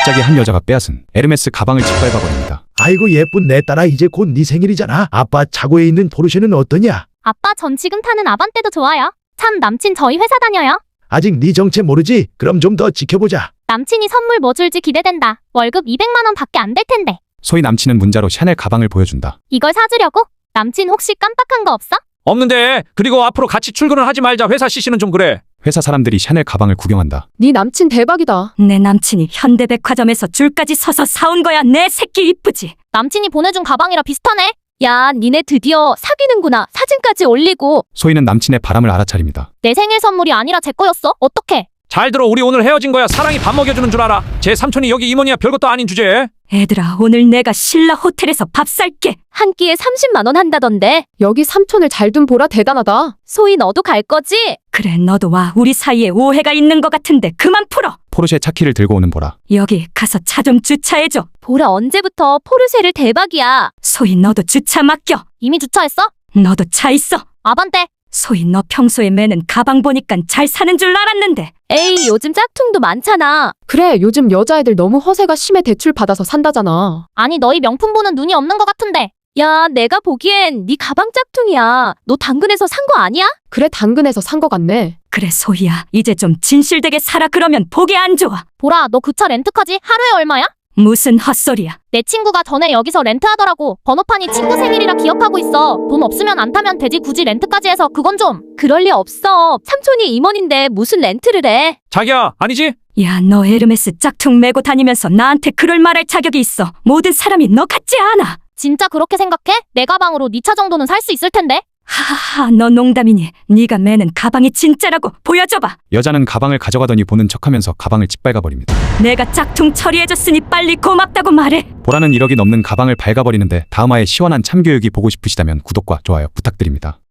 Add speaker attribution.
Speaker 1: 갑자기 한 여자가 빼앗은 에르메스 가방을 짓밟아버립니다.
Speaker 2: 아이고 예쁜 내 딸아, 이제 곧 네 생일이잖아. 아빠 차고에 있는 포르쉐는 어떠냐?
Speaker 3: 아빠, 전 지금 타는 아반떼도 좋아요. 참, 남친 저희 회사 다녀요.
Speaker 2: 아직 네 정체 모르지? 그럼 좀 더 지켜보자.
Speaker 3: 남친이 선물 뭐 줄지 기대된다. 월급 200만 원 밖에 안 될 텐데.
Speaker 1: 소희 남친은 문자로 샤넬 가방을 보여준다.
Speaker 3: 이걸 사주려고? 남친 혹시 깜빡한 거 없어?
Speaker 4: 없는데. 그리고 앞으로 같이 출근을 하지 말자. 회사 CC는 좀 그래.
Speaker 1: 회사 사람들이 샤넬 가방을 구경한다.
Speaker 5: 네 남친 대박이다.
Speaker 6: 내 남친이 현대백화점에서 줄까지 서서 사온 거야. 내 새끼 이쁘지?
Speaker 3: 남친이 보내준 가방이라 비슷하네. 야, 니네 드디어 사귀는구나. 사진까지 올리고.
Speaker 1: 소희는 남친의 바람을 알아차립니다.
Speaker 3: 내 생일 선물이 아니라 제 거였어. 어떡해?
Speaker 4: 잘 들어. 우리 오늘 헤어진 거야. 사랑이 밥 먹여주는 줄 알아. 제 삼촌이 여기 임원이야. 별것도 아닌 주제에.
Speaker 6: 애들아, 오늘 내가 신라 호텔에서 밥 살게.
Speaker 3: 한 끼에 30만 원 한다던데.
Speaker 5: 여기 삼촌을 잘 둔 보라 대단하다.
Speaker 3: 소희, 너도 갈 거지?
Speaker 6: 그래, 너도 와. 우리 사이에 오해가 있는 것 같은데 그만 풀어.
Speaker 1: 포르쉐 차키를 들고 오는 보라.
Speaker 6: 여기 가서 차 좀 주차해줘.
Speaker 3: 보라, 언제부터 포르쉐를 대박이야.
Speaker 6: 소희, 너도 주차 맡겨.
Speaker 3: 이미 주차했어?
Speaker 6: 너도 차 있어.
Speaker 3: 아반떼.
Speaker 6: 소희, 너 평소에 매는 가방 보니깐 잘 사는 줄 알았는데.
Speaker 3: 에이, 요즘 짝퉁도 많잖아.
Speaker 5: 그래, 요즘 여자애들 너무 허세가 심해. 대출 받아서 산다잖아.
Speaker 3: 아니, 너희 명품 보는 눈이 없는 것 같은데. 야, 내가 보기엔 네 가방 짝퉁이야. 너 당근에서 산 거 아니야?
Speaker 5: 그래, 당근에서 산 거 같네.
Speaker 6: 그래, 소희야. 이제 좀 진실되게 살아. 그러면 보기 안 좋아.
Speaker 3: 보라, 너 그 차 렌트까지 하루에 얼마야?
Speaker 6: 무슨 헛소리야.
Speaker 3: 내 친구가 전에 여기서 렌트하더라고. 번호판이 친구 생일이라 기억하고 있어. 돈 없으면 안 타면 되지. 굳이 렌트까지 해서 그건 좀. 그럴 리 없어. 삼촌이 임원인데 무슨 렌트를 해.
Speaker 4: 자기야, 아니지?
Speaker 6: 야, 너 에르메스 짝퉁 메고 다니면서 나한테 그럴 말할 자격이 있어. 모든 사람이 너 같지 않아.
Speaker 3: 진짜 그렇게 생각해? 내 가방으로 네 차 정도는 살 수 있을 텐데.
Speaker 6: 하하하, 너 농담이니? 네가 매는 가방이 진짜라고. 보여줘봐.
Speaker 1: 여자는 가방을 가져가더니 보는 척하면서 가방을 짓밟아버립니다.
Speaker 6: 내가 짝퉁 처리해줬으니 빨리 고맙다고 말해.
Speaker 1: 보라는 1억이 넘는 가방을 갉아버리는데 다음화의 시원한 참교육이 보고 싶으시다면 구독과 좋아요 부탁드립니다.